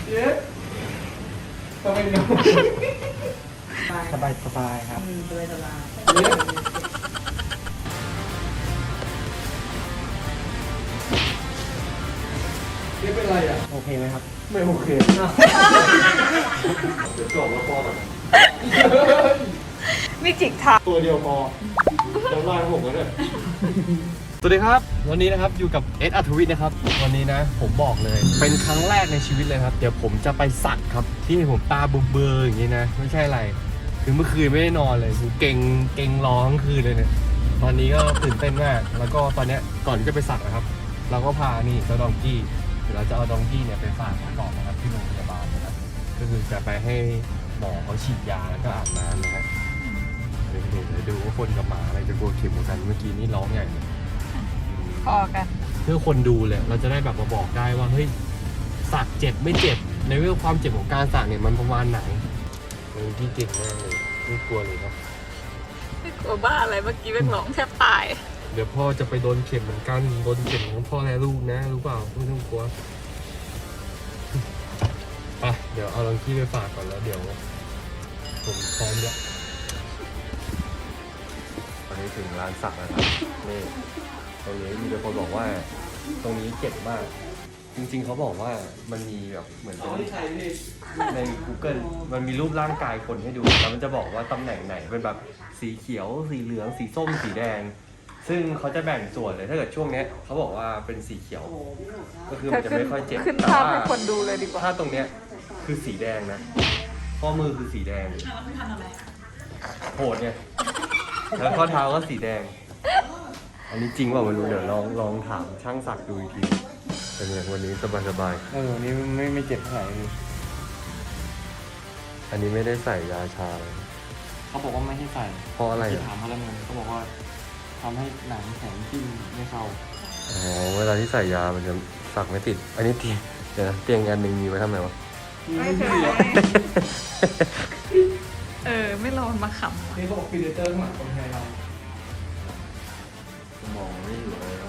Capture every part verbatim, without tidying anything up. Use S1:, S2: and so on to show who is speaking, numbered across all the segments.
S1: เย้ทำไมเนาะสบายสบายครับสบายสบายเย้เย้เป็นไรอ่ะโอเคไหมครับไม่โอเคเดี๋ยวจบแล้วพอก่อน
S2: มีจิกทัก
S1: ตัวเดียวพอเดี๋ยวไล่ผมก็ได้สวัสดีครับวันนี้นะครับอยู่กับเอสอัธวิทย์นะครับวันนี้นะผมบอกเลยเป็นครั้งแรกในชีวิตเลยครับเดี๋ยวผมจะไปสักครับที่ผมตาเบลอๆอย่างนี้นะไม่ใช่อะไรคือเมื่อคืนไม่ได้นอนเลยคือเก่งเก่งร้องคืนเลยเนี่ยตอนนี้ก็ตื่นเต้นมากแล้วก็ตอนนี้ก่อนที่จะไปสักนะครับเราก็พานี่เจ้าดองกี้เดี๋ยวเราจะเอาดองกี้เนี่ยไปฝากก่อนนะครับที่โรงพยาบาลนะครับก็คือจะไปให้หมอเขาฉีดยาแล้วก็อาบน้ำนะฮะเดี๋ยวเดี๋ยวดูว่าคนกับหมาอะไรจะกลัวเข็มกว่ากันเมื่อกี้นี่ร้องใหญ่เลย
S2: พอกัน
S1: เพื่อคนดูเลยเราจะได้แบบมาบอกได้ว่าเฮ้ยสักเจ็บไม่เจ็บในเรื่องความเจ็บของการสักเนี่ยมันประมาณไหนเฮ้ยพี่เก่งมากเลยไม่กลัวเลยครับ
S2: ไม่กลัวบ้าอะไรเมื่อกี้เป็นร้องแทบตาย
S1: เดี๋ยวพ่อจะไปโดนเข็มเหมือนกันโดนเข็มของพ่อและลูกนะรู้เปล่าไม่ต้องกลัวไปเดี๋ยวเอาลองที่ไปฝากก่อนแล้วเดี๋ยวผมพร้อมแล้วตอนนี้ถึงร้านสักแล้วครับนี่ตรงนี้มีแต่คนบอกว่าตรงนี้เจ็บมากจริงๆเขาบอกว่ามันมีแบบเหมือนเป็นใน Google มันมีรูปร่างกายคนให้ดูแล้วมันจะบอกว่าตำแหน่งไหนเป็นแบบสีเขียวสีเหลืองสีส้มสีแดงซึ่งเขาจะแบ่งส่วนเลยถ้าเกิดช่วงนี้เขาบอกว่าเป็นสีเขียวก็คือมันจะไม่ค่อยเจ็บ
S2: ขึ้นภาพให้คนดูเลยดีกว่า
S1: ถ้าตรงเนี้ยคือสีแดงนะข้อมือคือสีแดงโหดไงแล้วข้อเท้าก็สีแดงอันนี้จริงว่าไม่รู้เดี๋ยวลองลองถามช่างสักดูอีกทีเป็นอย่างวันนี้สบายสบายเออวันนี้ไม่ไม่เจ็บเท่าไหร่อันนี้ไม่ได้ใส่ยาชาเลย
S3: เขาบอกว่าไม่ให้ใส่
S1: เพราะอะไร
S3: ที่ถามเขาแล้วไงเขาบอกว่าทำให้หนังแข็งจิ้มไม่เข้า
S1: อ๋อเวลาที่ใส่ยามันจะสักไม่ติดอันนี้เตียงเดี๋ยวนะเตียงอันหนึ่งมีไว้ทำไมวะ
S2: ไม่เคยเออไม่รอมาขำ
S1: นี่เขาบอกพีเดเตอร์ข้างหลังคนไทยเรามองไม่อยู่เลย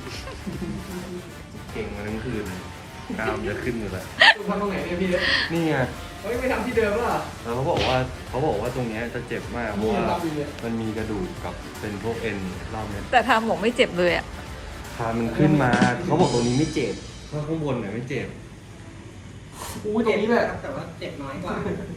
S1: เก่งมาทั้งคืนกล้ามจะขึ้นอยู่แล้วทำตรงไหนเนี่ยพี่นี่ไงเฮ้ยไม่ทำที่เดิมหรอแล้วเขาบอกว่าเขาบอกว่าตรงนี้จะเจ็บมากเพราะว่ามันมีกระดูกกับเป็นพวกเอ็นรอบนี้
S2: แต่ทำบอกไม่เจ็บเลยอ่ะ
S1: พามันขึ้นมาเขาบอกตรงนี้ไม่เจ็บเพราะข้างบนเนี่ยไม่เจ็บอู้ตรงนี้แหละแต่ว่าเจ็บน้อยกว่า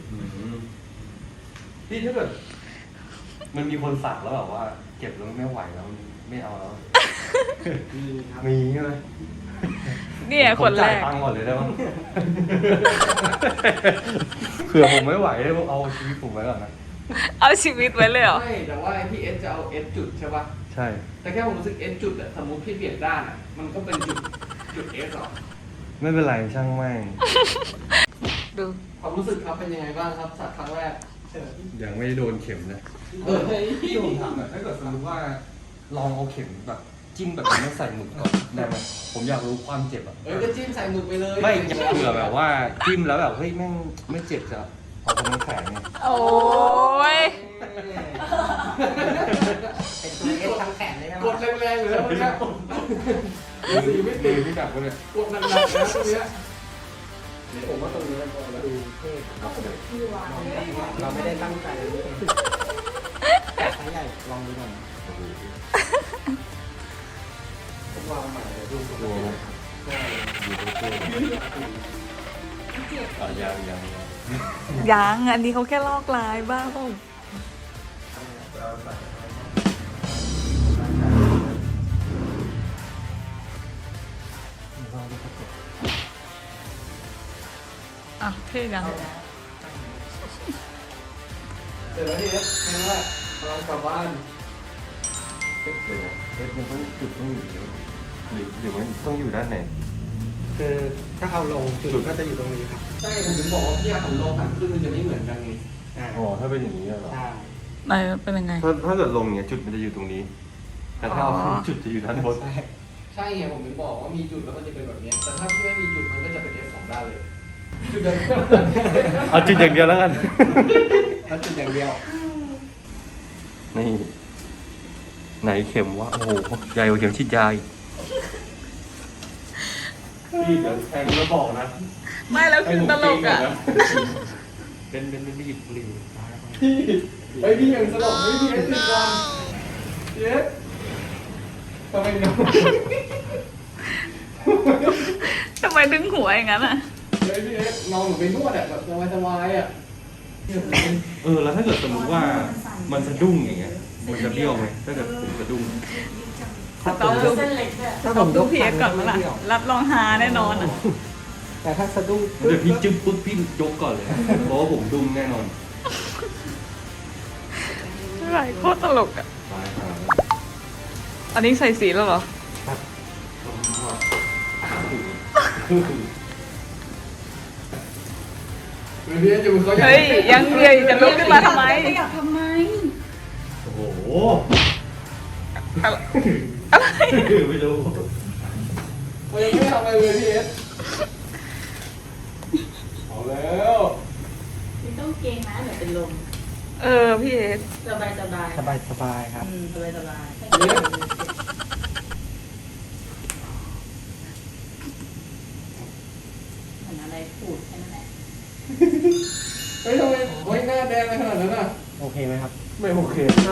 S1: พี่ถ้าเกิดมันมีคนสักแล้วแบบว่าเจ็บแล้วไม่ไหวแล้วไม่เอาแล้วมีครับมีใช่ไหม
S2: เนี่ยคนแรก
S1: จ่ายตังค์ก่อนเลยได้ไหมเผื่อผมไม่ไหวเลยเอาชีวิตผมไว้ก่อนนะ
S2: เอาชีวิตไว้เลยเหรอ
S4: ไม่แต่ว่าพี่เอสจะเอาเอสจุดใช่ป่ะ
S1: ใช่
S4: แต่แค่ผมรู้สึกเอสจุดอะสมมติพี่เปลี่ยนด้านอะมันก็เป็นจุดจุดเอสหรอ
S1: ไม่เป็นไรช่างแม่ง
S2: ดู
S4: ความรู้สึกครับเป็นยังไงบ้างครับสักครั้งแรก
S1: ยังไม่ได้โดนเข็มนะเออพี่ผมถามแบบถ้าเกิดสมมติว่าลองเอาเข็มแบบจิ้มแบบไม่ใส่หมึกก่อนได้ไหมผมอยากรู้ความเจ็บอ่ะ
S4: เออก็จิ้มใส่หมึกไปเลย
S1: ไม่เผื่อแบบว่าจิ้มแล้วแบบเฮ้ยแม่งไม่เจ็บจะเอาตรงนี้แข็งไง
S2: โอ้ย
S4: เป็นตัวเอสทั้งแขนเลยนะกดแรงๆเลยนะเมื่อกี้สีไม่ตี
S1: ไม่ดับก็เลย
S4: กดหนักๆนะตรงนี้ผมว่าตรงนี้เราดูเท่เราไม่ได้ตั้งใจเลยแต่ใช้ใหญ่ลองดูหน่อยวางใหม่เลยดูตัว
S1: ดูตัวอ่ะยังยัง
S2: ยังอันนี้เขาแค่ลอกลายบ้าเปล่าอ่ะเท่ยัง
S4: เดี๋ยวแล้วทีนี้นี่ว่าเรากลับบ้าน
S1: เอ๊ะเดี๋ยวเอ๊ะมันต้องจุดต้องอยู่หรือหรือมันต้องอยู่ด้านไหน
S4: คือถ้าเอาลงจุดก็จะอยู่ตรงนี้ครับใช่ผมถึงบอกว่าพี่ผมลงหันขึ้นมันจะไม่เหมือนกันไง
S1: อ๋อถ้าเป็นอย่างนี้เหรอ
S4: ใช่
S2: ไหนเป็นยังไง
S1: ถ้าถ้าเกิดลงเนี่ยจุดมันจะอยู่ตรงนี้แต่ถ้าเอาจุดจะอยู่ด้านบน
S4: ใช่ไงผมถึงบอกว่ามีจุดแล้วมันจะเป็นแบบนี้แต่ถ้าพี่ไม่มีจุดมันก็จะเป็นเอสสองด้านเลยจุดเดียว
S1: เอาจุดอย่างเดียวแล้วกัน
S4: เอาจุดอย่างเดียว
S1: นี่ไหนเข็มวะโอ้โหใหญ่กว่าเข็มฉีดยาพี่เดี๋ยวแทงแล้วบอกนะ
S2: ไม่แล้วคือตลกอ่ะ
S1: เป็นเป็นเป็นหยิบบุหรี่
S4: พี่เฮ้ยพี่ยังสลบไม่พี่เอสติดก่อนเอสทำไมน้อง
S2: ทำไมดึงหัวอย่างนั้นอ่ะ
S4: เฮ้ยพี่เอสนอนเหมือนไปนวดอ่ะแบบสบายๆอ่ะ
S1: เออแล้วถ้าเกิดสมมติว่ามันสะดุ้งอย่างเงี้ยมันจะเบี้ยวไหมถ้าเกิดผมสะดุ้ง
S2: สต็อปดูสต็อปดูพีเอสก่อนมั้ยล่ะรับรองฮาแน่นอนอ่ะ
S4: แต่ถ้าสะดุ้ง
S1: เดี๋ยวพี่จึ๊บปุ๊บพี่ยกก่อนเลยเพราะว่าผมดุ้งแน่นอน
S2: อะไรโคตรตลกอ่ะ
S1: ตายครับ
S2: อันนี้ใส่สีแล้วเหรอ
S4: พี่เอสอยู่เขาอยาก
S2: เฮ้ย ยังเดียวจะลุกขึ้นมาทำไม
S5: อยากทำไม
S1: โอ้โห
S2: อะไร
S1: ไม่รู้
S4: เขายังไม่ทำอะไรเลยพี่เอสเอาแล้ว
S5: คุณต้องเกรงนะเดี๋ยวเป็นลม
S2: เออพี่เอส
S5: สบายสบาย
S4: สบายสบายครับ
S5: อืมสบายสบาย
S4: เอส
S5: เหมือนอะไรพูดแค่นั้นแหละ
S4: เฮ้ยทำไมโอ้ยหน้าแดงเลยขนาดนั้นอ่ะ
S3: โอเคไหมครับ
S1: ไม่โอเค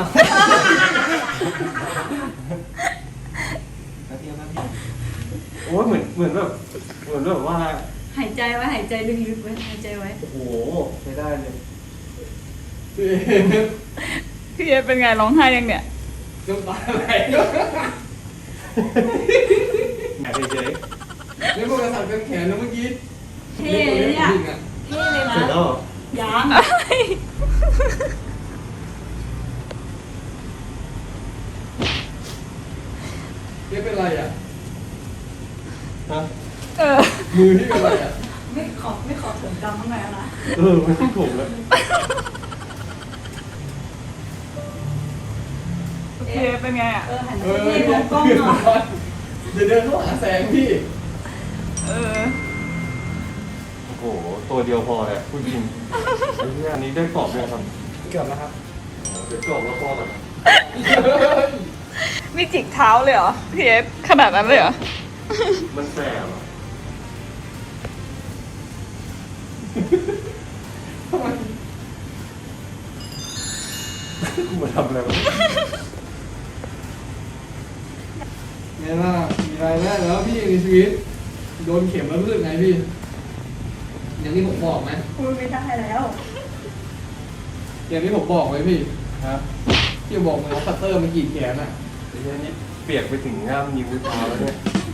S3: แล้วเทียบแล้วพี่
S1: โอ้ยเหมือนเหมือนแบบเหมือนแบบว่า
S5: หายใจไว้หายใจลึกๆไว้หายใจไว้
S1: โอ้โหใช้ได้เลย
S4: พี่เอส
S2: พี่เอสเป็นไงร้องไห้ยังเนี่ย
S4: น้ำตาไหล
S1: แหมเฉย
S4: นี่พวกกระสับกระแขนนะเมื่อกี้
S5: เท่เลยเนี่ย
S4: จริงอ่ะ
S5: เท่เลย
S1: ๆ
S5: นะ
S1: เสร็จแล้วเหรอ
S5: ยัง
S4: นี่เป็นไรอ่ะ
S1: ฮะ
S2: เออ
S4: มือที่เป็นไรอ่ะ
S5: ไม่ขอไม่ขอผมดำข้างในแล้วนะ
S1: เออไม่ต้องถูกแล้ว
S2: พี่เอสเป็นไงอ่ะ
S5: เออหัน
S4: เอ
S5: ไป
S4: อ
S5: ที่มองกล้องหน่อย
S4: เดี๋ยวเดินเข้าหาแสงพี่
S2: เออ
S1: โอ้โหตัวเดียวพอเลยพูดจริงไอ้เนี่ยอันนี้ได้กรอบยังครับ
S3: เกือบแล้วครับ
S1: เดี๋ยวกรอบแล้วพอก่อน
S2: นี่จิกเท้าเลยเหรอพี่เอสขนาดนั้นเลยเหรอ
S1: มันแสบอ่ะ
S4: ทำไม
S1: กูมาทำอะไรวะ
S4: ไงล่ะมีรายได้แล้วพี่ในชีวิต โดนเข็มแล้วรู้สึกไงพี่ อย่างที่ผมบอกไหม
S5: พูดไม่ได้แล้ว
S4: อย่างที่ผมบอกไหมพี่
S1: ครับ
S4: ที่บอกมันเอาคัตเตอร์มากรีดแขนอ่ะ
S1: ไอ้เนี่ยนี่เปียกไปถึงง่ามนิ้วเท้าแล้วเนี่ย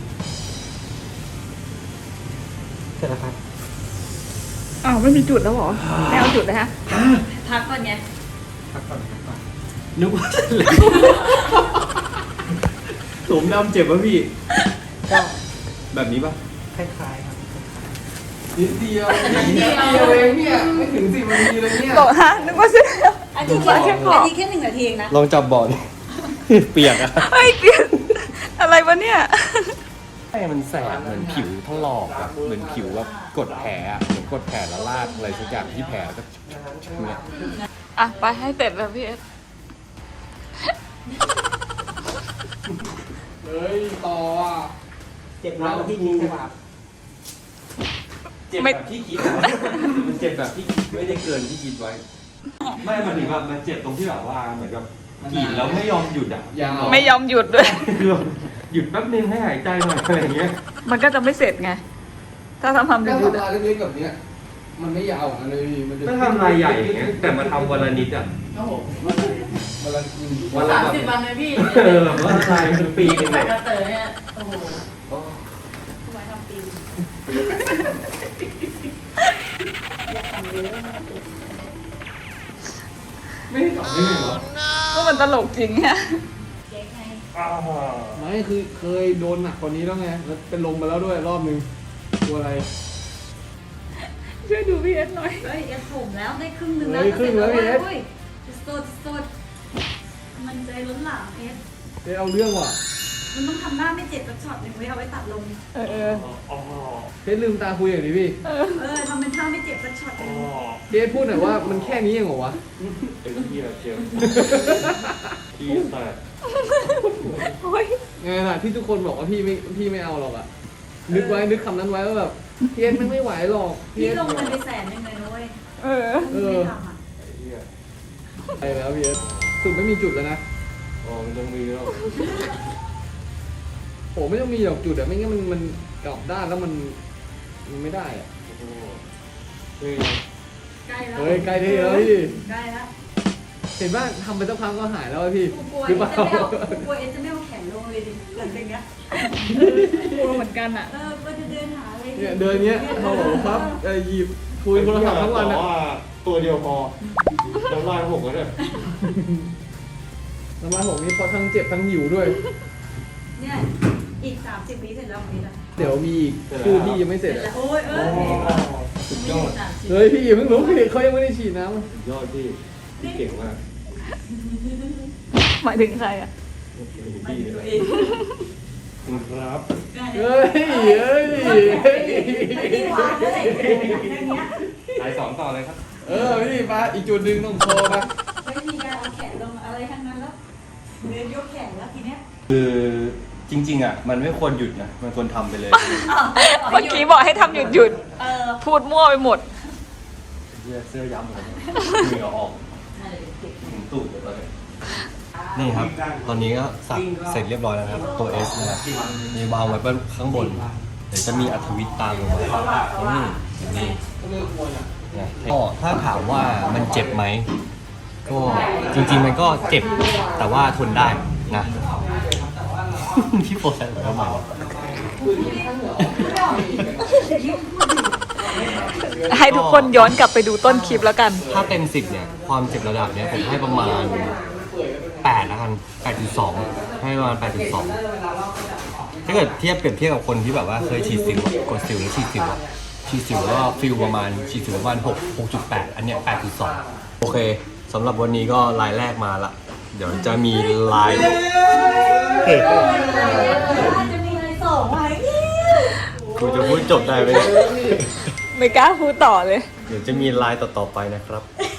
S3: เสร็จแล้วครับ
S2: อ้าวไม่มีจุดแล้วเหรอไม่เอาจุดเลยฮะ
S5: พักก่อนไง
S3: พักก่อนพักก่อน
S1: นึกว่าเสร็จแล้วสมดำเจ็บป่ะพี่
S3: ก็
S1: แบบนี้ป่ะ
S3: คล้ายๆครับ
S4: นิดเดียวนิดเดียวเองเนี่ยไม่ถึงสิบนาทีเลยเนี่ย
S2: โตฮะนึกว่าเสร็จแล้ว
S5: อันนี้แค่
S2: แค่ขอ
S5: อันนี้แค่หนึ่งนาทีเองนะ
S1: ลองจับบอล เปียกอะ
S2: เฮ้ยเกลียดอะไรวะเนี่ย
S1: ไอ้มันแสบเหมือนผิวถลอกอะเหมือนผิวแบบกดแผลอะเหมือนกดแผลแล้วลากอะไรสักอย่างที่แผลก็เนี่ย
S2: อ่ะ ไปให้เสร็จแล้วพี่เอส
S4: เฮ้ยต่ออ่ะ
S3: เจ็บแล้วที่คิดใช่ป่ะครับ
S1: เจ็บแบบที่คิดอะมันเจ็บแบบที่คิดไม่ได้เกินที่คิดไว้ ไม่มันถึงแบบมันเจ็บตรงที่แบบว่าเหมือนกับกรีดแล้วไม่ยอมหยุดอะ
S4: ยาว
S2: ไม่ยอมหยุดด้วย
S1: คือแบบหยุดแป๊บนึงให้หายใจหน่อยอะไรอย่างเงี้ย
S2: มันก็จะไม่เสร็จไง ถ้าทำทำ
S4: ถ้า
S2: หยุด
S4: ทำ
S2: ๆ
S4: ลา
S2: อะ
S4: ยเล็กๆแบบเนี้ย มันไม่ยาวออกมาเลยมันจะ
S1: ถ้าทำลายใหญ่อย่างเงี้ยแต่มาทำวันละนิดอะ
S5: โอ้โห
S4: วันละอืม
S1: วันละ
S5: สาม
S1: แบบ
S5: สิบวันเลยพี่
S1: เออแบบว่าลายเป็นปีนึง
S5: แบ
S1: อะ
S5: บกระเตอเนี่ยโอ้โห
S1: โอ้
S5: ไว้ทำปีอยากทำเยอะ
S4: ไม่ได้ต่อได้ไงวะ
S2: ก็มันตลกจริงฮะ
S5: เจ๊ไง
S4: ไม่คือเคยโดนหนักกว่านี้แล้วไงแล้วเป็นลมมาแล้วด้วยรอบนึงกลัวอะไร
S2: ช่วยดูพี่เอสหน่อย
S5: เฮ้ยเอสผมแล้วได้ครึ่งหนึ่งแล้ว
S4: เฮ้ยครึ่งแล้วพี่เอส
S5: ฮ้ยสดสดมันใจล้นหลามเอส
S4: เอ้ยเอาเรื่องว่ะ
S5: มันต้องทำหน้าไม่เจ็บสักช็อตหนึ่งไว้เอาไว้ตัดลง
S2: เออเออ
S4: เพชรลืมตาคุยอย่างนี้พี่
S2: เออ
S5: เออทำเป็นท่าไม่เจ็บสักช็อตหนึ่ง
S4: เพชรพูดหน่อยว่ามันแค่นี้เองเหรอวะ
S1: ไอ้เหี้ยเจ็บที่แตก
S2: โอ้ย
S4: ไงล่ะที่ทุกคนบอกว่าพี่ไม่พี่ไม่เอาหรอกอะนึกไว้นึกคำนั้นไว้ว่าแบบเพี้ยนมันไม่ไหวหรอกเพี้
S5: พี่
S4: ยน
S5: ลงมันไปแสนหนึ่งเลยนะเว้ย
S2: เออ
S4: เอ
S5: ไม่
S4: อ
S5: ทำอ่ะ
S4: ไปแล้วเพี้ยนสุดไม่มีจุดแล้วนะ
S1: อ๋อมันต้องมีแล้ว
S4: โอ้ไม่ต้องมีหรอกจุดอะไม่งั้นมันมันกลับด้านแล้วมันมันไม่ได้อะ
S1: โอ้โหเฮ้ย
S5: ใกล้แล้ว
S4: เฮ้ยใกล้ที่แล้วพี่
S5: ใกล้แล้ว
S4: เห็นว่าทำไปสักพักก็หายแล้วอะพี่
S5: กูกลัว
S4: ห
S5: เอ
S4: รือ
S5: ส
S4: เปล่า
S5: จะไม่เอากูกลัวเอสจะไม่เอาแขนลงเลยดิหลังจากเนี้ย
S2: กลัวเหมือนกันอ่ะ
S5: เออก็จะเดินหาอะไร
S4: เนี่ยเดินเงี้ยโอ้โหครับเอ่อหยิบคุยโทรศัพท์ทั้งวัน
S1: แต่
S4: อะ
S1: ว่าตัวเดียวพอน้ำลายหกแล้วเนี่ย
S4: น้ำมันผมนี่เพราะทั้งเจ็บทั้งหิวด้วย
S5: เนี่ยอีกสามสิบวิเสร็จแล้ววันนี้ละ
S4: เดี๋ยวมีอีกคู่ที่ยังไม่เสร็จ
S5: แล้
S4: อะ
S5: วโอ้ยเออ
S1: สุดยอด
S4: เฮ้ยพี่อย่าเพิ่งรู้พี่เขายังไม่ได้ฉีดน้ำอะ
S1: สุดยอดพี่พี่เก่งมาก
S2: หมายถึงใครอ่ะ
S1: พี่เลยครับ
S4: เฮ้ยเฮ้ยเฮ้ย
S5: ที่วางเลยอย่างเงี้ย
S1: สายสองต่อเลยครับ
S4: เออพี่มาอีกจุดหนึ่งต้องโชว์นะ
S5: ไม่มีการเอาแขนลงอะไรทั้งนั้นแล้วเดินยกแขนแล้วทีเนี้ย
S1: คือจริงๆอ่ะมันไม่ควรหยุดนะมันควรทำไปเลย
S2: เมื่อกี้บอกให้ทำหยุดหยุด
S5: เออ
S2: พูดมั่วไปหมด
S1: เสื้อเสื้อย้ำเลยเหงื่อออกถึงตูดเลยตอนนี้นี่ครับ ตอนนี้ก็สักเสร็จเรียบร้อยแล้วครับตัว S นะครับมีวางไว้ข้างบนเดี๋ยวจะมีอัธวิทย์ตามลงมานี่อย่างนี่นะก็ถ้าถามว่ามันเจ็บไหมก็จริงๆมันก็เจ็บแต่ว่าทนได้นะ พี่โปรใส่ไว้ทำไมวะ
S2: ให้ทุกคนย้อนกลับไปดูต้นคลิปแล้วกัน
S1: ถ้าเต็มสิบเนี่ยความเจ็บระดับเนี้ยผมให้ประมาณแปดแล้วกันแปดจุดสองให้ประมาณแปดจุดสองถ้าเกิดเทียบเปรียบเทียบกับคนที่แบบว่าเคยฉีดสิวอะกดสิวแล้วฉีดสิวอะฉีดสิวแล้วก็ฟิลประมาณฉีดสิวประมาณหก หกจุดแปดอันเนี้ยแปดจุดสองโอเคสำหรับวันนี้ก็ลายแรกมาละเดี๋ยวจะมีลายเฮ้ย
S5: จะมีอะไรส่งไว้
S1: กูจะพูดจบได้ไหมเนี่ย
S2: ไม่กล้าพูดต่อเลย
S1: เดี๋ยวจะมีลายต่อๆไปนะครับ